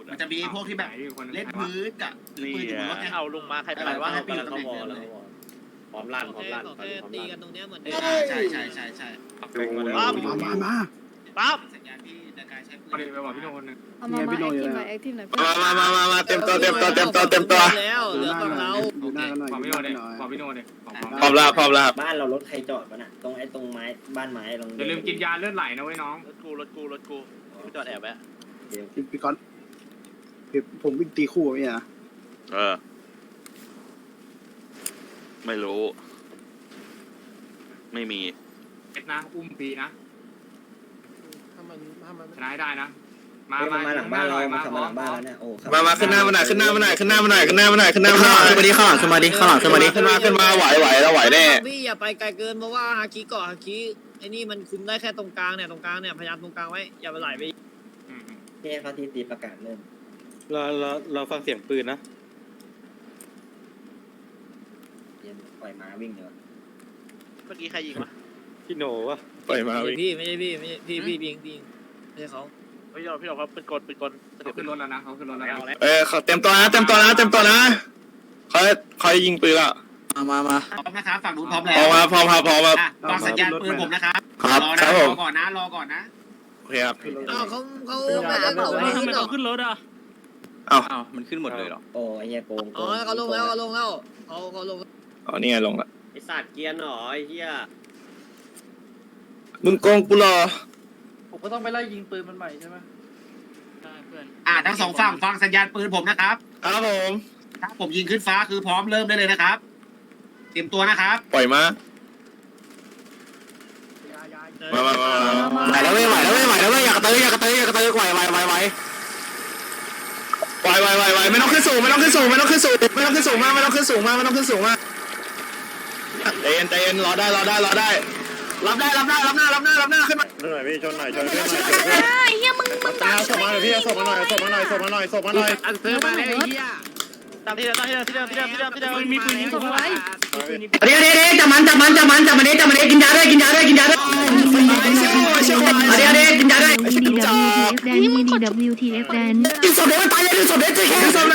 มันจะมีพวกที่แบบเล่นพื้นกับหรือปืนอยู่บนรถเนี่ยเอาลงมาใครเป็นไรวะให้อยู่ตำแหน่งเดิมเลยพร้อมลั่นพร้อมลั่นตีกันตรงเนี้ยเหมือนใช่ปั๊บสัญญาณที่ในการใช้ปืนไปบอกพี่โนนนึงเอามาแอคทีฟหน่อยแอคทีฟหน่อยมาเต็มตัวแล้วเหลือฝั่งเราบอกพี่โนนเลยบอกพี่โนนเลยพร้อมแล้วครับบ้านเรารถใครจอดวะน่ะตรงไม้บ้านไม้ลงอย่าลืมกินยาเลือดไหลนะเว้ยน้องรถกูไปจอดแอบไว้พี่ก๊อตผมวิ่งตีคู่ไม่ใช่นะไม่รู้ไม่มีเอ็ดนะอุ้มปีนะชนะได้นะมาหลังบ้านเรามาขับมาหลังบ้านแล้วเนี่ยโอ้ครับมาขึ้นหน้ามาหน่อยสมาธิข้างหลังขึ้นมาไหวเราไหวแน่พี่อย่าไปไกลเกินเพราะว่าฮาคิเกาะฮาคิไอ้นี่มันคุมได้แค่ตรงกลางเนี่ยพยายามตรงกลางไว้อย่าไปไหลไปพี่เขาทีตีประกาศเริ่มเราฟังเสียงปืนนะปล่อยม้าวิ่งเดี๋ยวเมื่อกี้ใครยิงวะพี่โหนวะปล่อยมาวิ่งพี่ไม่ใช่พี่ไม่ใช่เขาพี่เราเขาเป็นกลเขาขึ้นรถแล้วนะเขาขึ้นรถแล้วเขาเต็มตัวนะเขายิงปืนละมาพร้อมนะครับฝั่งนู้นพร้อมแล้วพร้อมครับฟังสัญญาณปืนผมนะครับครับรอครับผมก่อนนะโอเคครับเขาไม่ได้เขาไม่ขึ้นหรอกขึ้นรถอ่ะอ้าวมันขึ้นหมดเลยหรอโอ้ไอ้เหี้ยโกงอ๋อเขาลงแล้วเขาลงอ๋อนี่ไงลงละไอ้สัตว์เกียร์หน่อยไอ้เหี้ยมึงโกงกูเหรอผมก็ต้องไปไล่ยิงปืนมันใหม่ใช่ไหมทั้งสองฝั่งฟังสัญญาณปืนผมนะครับครับผมถ้าผมยิงขึ้นฟ้าคือพร้อมเริ่มได้เลยนะครับ เตรียมตัวนะครับปล่อยมาไหวแล้วเว้ยอยากกระเตยไหวไม่ต้องขึ้นสูงมากใจเย็นรอได้รับหน้าขึ้นมาหน่อยพี่ชนหน่อยเฮียมึงตายศพมาหน่อยพี่ศพมาหน่อยอันเซอร์มาแล้วไอ้เหี้ยตามที่เดิมมีปืนยิงกูไว้เดี๋ยวจับมันกินยาด้วยกินยาด้วยกินยาด้วย WTF แดนกินศพเด็กตายเลยกินศพเด็กเพื่อนต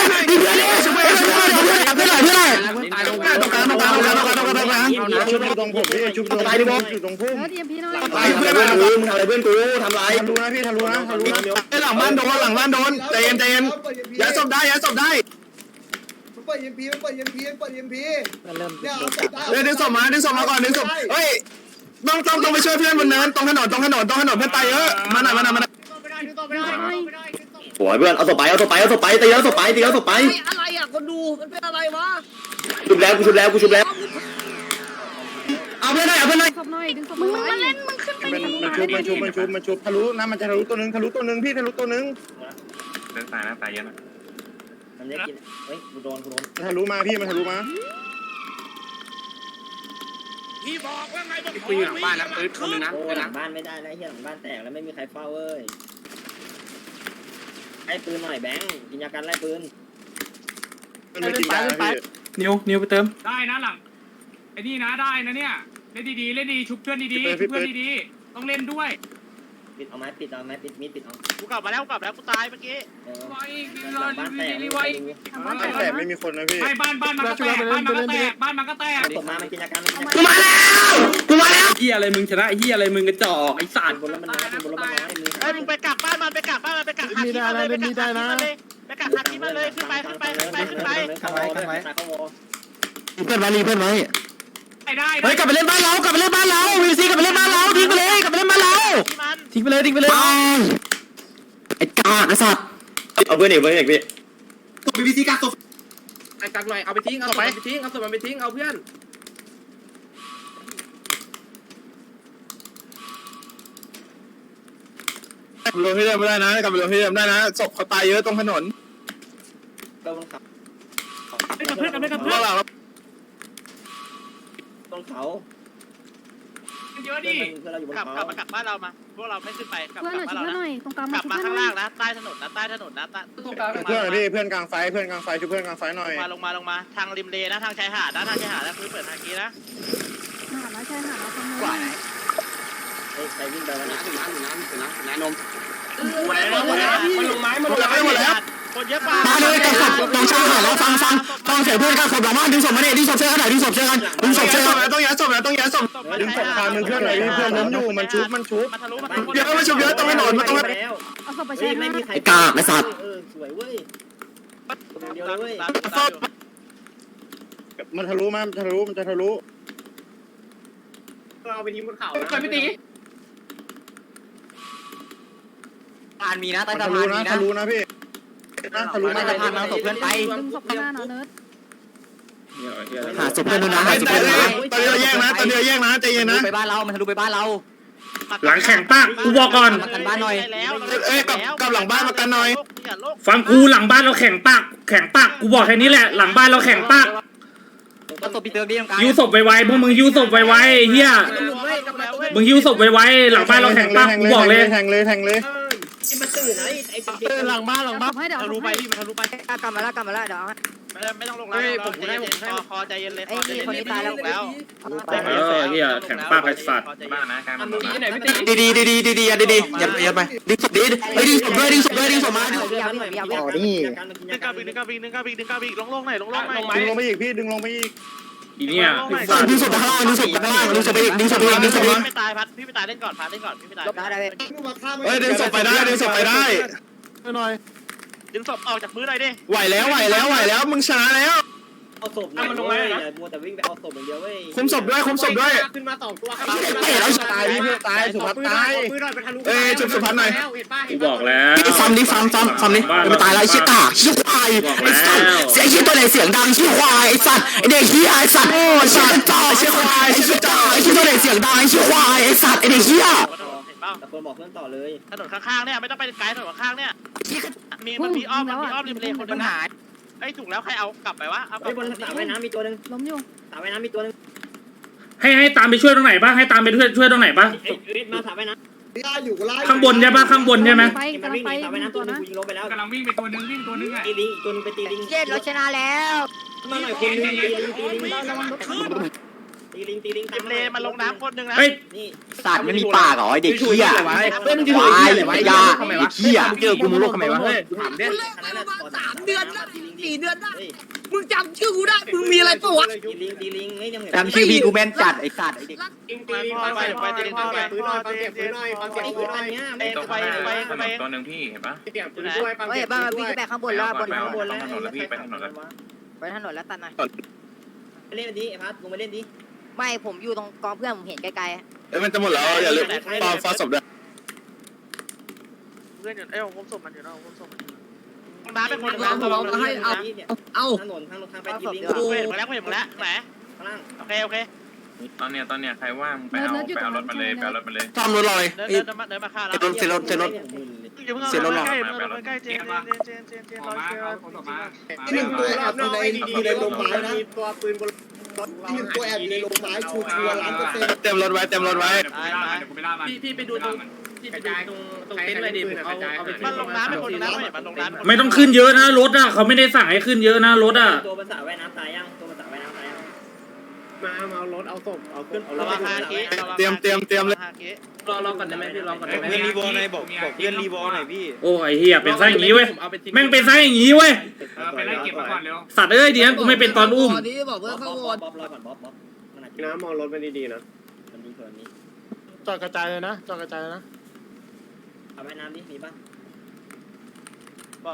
รงผมพี่ชุบตายดิบอยู่ตรงพุ่มแล้วทีมพี่น้อยตายเพื่อนกูมึงทำอะไรเพื่อนกูทำไรทะลุนะพี่ทะลุนะหลังบ้านโดนใจเย็นย้ายศพได้มันเปิดยิมพีดึงศพมาก่อนเฮ้ยต้องไปช่วยเพื่อนบนเนินตรงถนนเพื่อนตายเยอะมาหน่อยโอ้ยเพื่อนเอาศพไปตีแล้วศพไปอะไรอ่ะคนดูมันเป็นอะไรวะชุบแล้วเอาเพื่อนหน่อยศพหน่อยดึงศพมึงมาเล่นมึงขึ้นไปมันชุบทะลุนะมันจะทะลุตัวนึงพี่ทะลุตัวนึงเดินตายนะตายเยอะนะมันจะกินเฮ้ยกูโดนทะลุมาพี่มันทะลุมาปืนอยู่หลังบ้านนะปืนคนนึงนะโอ้หลังบ้านไม่ได้แล้วเหี้ยหลังบ้านแตกแล้วไม่มีใครเฝ้าเว้ยไล่ปืนหน่อยแบงค์กินยากันไล่ปืนมันไม่กินยาพี่นิวไปเติมได้นะหลังไอ้นี่นะได้นะเนี่ยเล่นดีชุบเพื่อนดีต้องเล่นด้วยปิดเอาไม้ปิดมีดปิดเอากูกลับมาแล้วกูตายเมื่อกี้หลังบ้านแตกแต่ไม่มีคนนะพี่บ้านมันก็แตกตกมามันกินยากันกูมาแล้วเฮียอะไรมึงชนะเฮียอะไรมึงกระจอกไอ้สัตว์บนรถมันน้อยบนรถมันน้อยมือไอ้มึงไปกักบ้านมันไปกักฮาคิมันเลยขึ้นไปข้างไว้เพื่อนไว้ได้เฮ้ยกลับไปเล่นบ้านเราวิวซีกลับไปเล่นบ้านเราทิ้งไปเลยไอ้กากไอ้สัตว์เอาเพื่อนอีกพี่ตบวิวซีกากตบไอ้กักหน่อยเอาไปทิ้งเอาศพมันไปทิ้งเอาเพื่อนลงที่เดิมไม่ได้นะกลับไปลงที่เดิมได้นะศพเขาตายเยอะตรงถนนโดนขับเพื่อนตรงเขาเยอะดิเพื่อนเราอยู่บนกลับเขามากักบ้านเรามาพวกเราไม่ขึ้นไปกลับเพื่อนหน่อยบ้านช่วยเราหน่อยตรงกลางกมาลับมาช่วยข้างหน่ล่าอง ยนะใต้ถนนนะเพื่อนกลางไฟช่วยเพื่อนกลางไฟหน่อยลงมาทางริมเลนะทางชายหาดนะคือเปิดทางกี้นะหาแล้วใช่หาแล้วทำไมใครวิ่งไปวะเนี่ยนมมันลงไม้มันลงไม้หมดแล้วคนเยอะกว่ามาเลยกับศพตรงช่างหาแล้วฟังเสียงเพื่อนกับศพหลังบ้านดึงศพมาเนี่ยดึงศพเชื่อกันหน่อยดึงศพเชื่อกันดึงศพเชื่อกันต้องยัดศพแล้วต้องยัดศพดึงศพคานมึงเพื่อนหน่อยเพื่อนล้มอยู่มันชุบมาทะลุมาทะลุเยอะไม่ชุบเยอะต้องไม่หนอนมันต้องเอาศพไปแช่น้ำไอ้กากไอ้สัตว์สวยเว้ยเดียวเลยเว้ยมันทะลุมามันจะทะลุเอาไปทิ้งบนเขาเคยไม่ตีผ่านมีนะใต้มันสะทะลุพานนะมีนะทะลุนะพี่ทะลุใต้สะพานมาศพเพื่อนไปดึงศพข้างหน้านะเนิร์ดหาศพเพื่อนด้วยนะหาศพเพื่อนนะตอนนี้เราแยกนะตอนนี้เราแยกนะใจเย็นนะไปบ้านเรามันทะลุไปบ้านเราหลังแข่งปากกูบอกก่อนมากันบ้านหน่อยเอ้ยกับหลังบ้านมากันหน่อยฟังกูหลังบ้านเราแข่งปากกูบอกแค่นี้แหละหลังบ้านเราแข่งปากก็ศพพี่เติร์กดีตรงกลางยูศพไวๆพวกมึงยูศพไวๆเฮียมึงยูศพไวๆหลังบ้านเราแข่งปากกูบอกเลยแทงเลยที่มันตื่นนะไอ้เป็นหลังบ้านหลังบ้านให้เดี๋ยวทะลุไปพี่มันทะลุไปกลับมาแล้วเดี๋ยวไม่ต้องลงแล้วผมให้คอใจเย็นเลยไอ้นี่คนนี้ตายแล้วเฮียแข่งปากไอ้สัตว์บ้านนะการมันตีไหนไม่ตีดีอย่าไปดึงศพดีเฮ้ยดึงศพด้วยดึงศพมาดึงอ๋อนี่ดึงกาบิกลงหน่อยดึงลงไปอีกพี่ดึงลงไปอีกอีเนี่ยดึงศพข้างล่างดึงศพไปอีกดึงศพไปอีกไม่ตายพัดพี่ไม่ตายเล่นก่อนพัดเล่นก่อนพี่ไม่ตายเฮ้ยดึงศพไปได้ดึงศพไปได้ดึงศพออกจากพื้นหน่อยดิไหวแล้วมึงชนะแล้วเอาศพนะมันลงมาอย่ามัวแต่วิ่งไปเอาศพอย่างเดียวเว้ยคุมศพด้วยขึ้นมา2ตัวเฮ้ยแล้วตายพี่เพื่อนตายสุภัทรตายปืนหน่อยไปทะลุเอ้ยจุดสุพรรณหน่อยกูบอกแล้วซ้ำนี่มันตายแล้วไอ้เชี่ยกากเชี่ยควายไอ้สัตว์เสียงเชี่ยตัวไหนเสียงดังเชี่ยควายไอ้สัตว์ไอ้เด็กเฮียไอ้สัตว์ไอ้เชี่ยจ่อเชี่ยควายไอ้เชี่ยจ่อไอ้เชี่ยตัวไหนเสียงดังไอ้เชี่ยควายไอ้สัตว์ไอ้เด็กเฮียเห็นเปล่าตะโกนบอกเพื่อนต่อเลยถนนข้างๆเนี่ยไม่ต้องไปไกลถนนข้างๆเนี่ยมันมีอ้อมริมเลคนนึงหายไอ้ถูกแล้วใครเอากลับไปวะเอากลัไอ้บนสระว่ายน้ำมีตัวนึงล้มอยู่สระว่ายน้ำมีตัวนึงให้ตามไปช่วยตรงไหนบ้างให้ตามไปช่วยตรงไหนบ้างไอ้ฤทธิ์มาสระว่ายน้ำข้างบนใช่ปะข้างบนใช่ไหมไปมันกำลัวิ่งงไปหนีสระว่ายน้ำตัวนึงกูยิงลงไปแล้วกำลังวิ่งไปตัวนึงอ่ะตีลิงอีกตัวนึงไปตีลิงเย็ดเราชนะแล้วมาหน่อยคนนึงตีลิงตีลิงริมเลมันลงน้ำคนนึงนะเฮ้ยนี่สัตว์ไม่มีปากเหรอไอ้เด็กเฮียเต้นยืนควายทำไมวะยาทำไมไอ้วะเฮียเจอกูมึงโลกทำไมวะเฮ้ยถามเด้ 3 เดือนนะ4 เดือนนะมึงจำชื่อกูได้มึงมีอะไรปะวะตีลิงเฮ้ยยังไงจำชื่อพี่กูแม่นจัดไอ้สัตว์ไอ้เด็กไปตีลิงไปปืนหน่อยฟังเสียงปืนหน่อยฟังเสียงปืนหน่อยไอ้ไปตัวหนึ่งพี่เห็นปะเสียงปืนด้วยฟังเฮ้ยเสียงบ้าปืนพี่ด้วยก็แบกข้างบนแล้วบนข้างบนแล้วไปถนนแล้วพี่ไปถนนแล้วไปถนนแล้วตัดหน่อยไปเล่นดิไอ้พัดลงไปเล่นดิไม่ผมอยู่ตรงกองเพื่อนผมเห็นไกลเอ้ยมันจะหมดแล้วอย่าลืมฟ้าศพด้วยเพื่อนอยู่เอ้ยผมส่งมันอยู่นะผมส่งมันน้ำเป็นคนร้องให้เอาถนนทางไปตีลิงกูเห็นมาแล้วกูเห็นมาแล้วไหนข้างล่างโอเคตอนเนี้ยใครว่างไปเอารถมาเลยไปเอารถมาเลยซ่อมรถลอยเดินมาฆ่าแล้วเซรถอย่าเพิ่งเอาใกล้ใกล้เจนออกมาเอาศพมาที่หนึ่งตัวแอบอยู่ในโรงไม้นะตัวปืนบนรถที่หนึ่งตัวแอบอยู่ในโรงไม้ชัวร์100% เต็มรถไว้เดี๋ยวกูไปล่ามันพี่ไปดูตรงพี่ไปดูตรงเต็นท์เลยดิเอาไปมันลงน้ำเป็นคนน้ำมันลงน้ำไม่ต้องขึ้นเยอะนะรถอ่ะเขาไม่ได้สั่งให้ขึ้นเยอะนะรถอ่ะตัวภาษาว่ายน้ำตายยังตัวภาษาว่ายน้ำตายยังมาเอารถเอาศพเอาขึ้นเอาเรารถมาฮาคิเตรียมเลยรอก่อนได้ไหมพี่รอก่อนได้ไหมเพื่อนรีวอลหน่อยบอกเพื่อนรีวอลหน่อยพี่โอ้ไอ้เฮียเป็นไส้อย่างงี้เว้ยแม่งเป็นไส้อย่างงี้เว้ยไปไล่เก็บมาก่อนเร็วสัตว์เอ้ยเดี๋ยวกูไม่เป็นตอนอุ้มนี้บอกเพื่อนเข้าวอนบ๊อบรอก่อนบ๊อบมันอาจจะน้ำมองรถไปดีๆนะมันยิงส่วนนี้จอดกระจายเลยนะจอดกระจายนะเอาว่ายน้ำดิมีป่ะบอก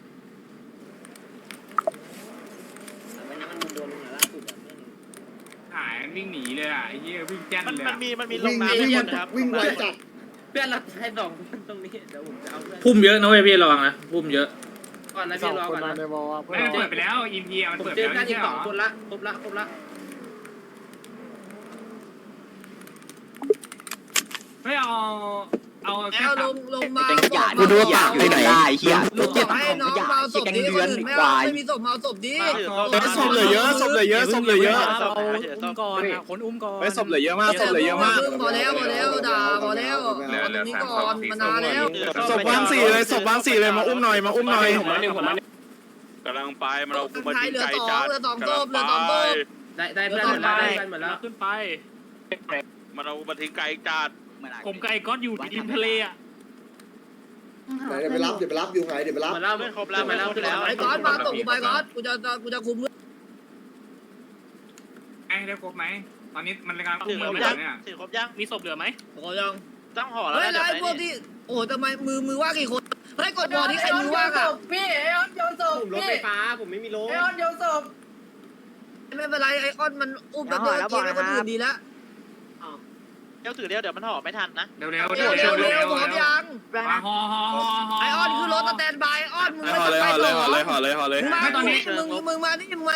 ว่ายน้ำมันโดนล่าสุดอ่ะหายวิ่งหนีเลยอ่ะไอ้เหี้ยวิ่งแจ้นเลยมันมีลงน้ำคนนะครับวิ่งไวจัดเพื่อนเราให้สองตรงนี้เดี๋ยวผมจะเอาเพื่อนพุ่มเยอะนะเว้ยพี่ระวังนะพุ่มเยอะก่อนนะสอพี่งรอคนก่อนมานะในวอลเพื่อไม่นเปิดไปแล้วอินเดียมันผมเปิดเจไปอแล้วกันอีใช่กเหร 2 อคนละครบละเฮ้ยเอาแค่แล้วลงมากูดูว่าปากไปไหนได้เฮียรถเจ็บให้น้องมาศพดีคนอื่นไม่เอาไม่มีศพมาศพดีศพเหลือเยอะศพเหลือเยอะก่อนคนอุ้มก่อนไอ้ศพเหลือเยอะมากศพเหลือเยอะมากพอแล้วด่าพอแล้วนี้ก่อนมานานแล้วศพวางสี่เลยศพวางสี่เลยมาอุ้มหน่อยมาอุ้มหน่อยกำลังไปมันเอากูมาไทยทิ้งเหลือไก่ 2 จัดเหลือ2โต๊ะเหลือ2โต๊ะได้เพื่อนหมดแล้วได้เพื่อนหมดแล้วขึ้นไปมันเอากูมาทิ้งไก่จัดผมกับไอ้ก๊อตอยู่ริมทะเลอ่ะเดี๋ยวไปรับอยู่ไงเดี๋ยวไปรับมาเล่าเพื่อนครบแล้วมาเล่าขึ้นแล้วไอ้ก๊อตมาตกกูไปก๊อตกูจะคุมเรื่องไอ้ได้ครบไหมตอนนี้มันกำลังถือุ้อมครบมือยังเนี่ยถือครบยังมีศพเหลือไหมขอยังต้องห่อแล้วเฮ้ยไอ้พวกที่โอ้ทำไมมือว่างกี่คนเฮ้ยกดบอลที่ใครมือว่างอ่ะพี่ไอออนโยนศพผมรถไฟฟ้าผมไม่มีรถไอออนโยนศพไม่เป็นไรไอ้ออนมันอุ้มแล้วเดินเกมให้คนอื่นดีแล้วเดี๋ยวถือเดี๋ยวมันห่อไม่ทันนะเร็วเร็วเร็วพร้อมยังมาห่อไอออนคือรถสแตนบายออนมึงไม่ต้องไปต่อมาตอนนี้มึงมานี่มึงมา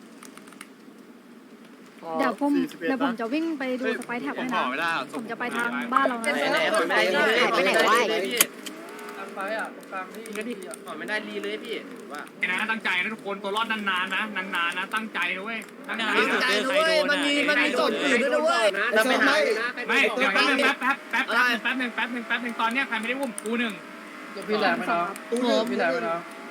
เดี๋ยวผมจะวิ่งไปดูสไปแท็บให้นะผมจะไปทางบ้านเรานะไปไหนวะไปอ่ะตรงกลางที่พี่ห่อไม่ได้รีเลยพี่ว่านะตั้งใจนะทุกคนตัวรอดนานๆนะนานๆนะตั้งใจนะเว้ยตั้งใจตั้งใจด้วยมันมีศพอื่นด้วยนะเว้ยถ้าไม่หายนะไม่เดี๋ยวแป๊บนึงตอนเนี้ยใครไม่ได้อุ้มกูหนึ่งพี่แหลมไม่น้องพี่แหลมไม่น้อง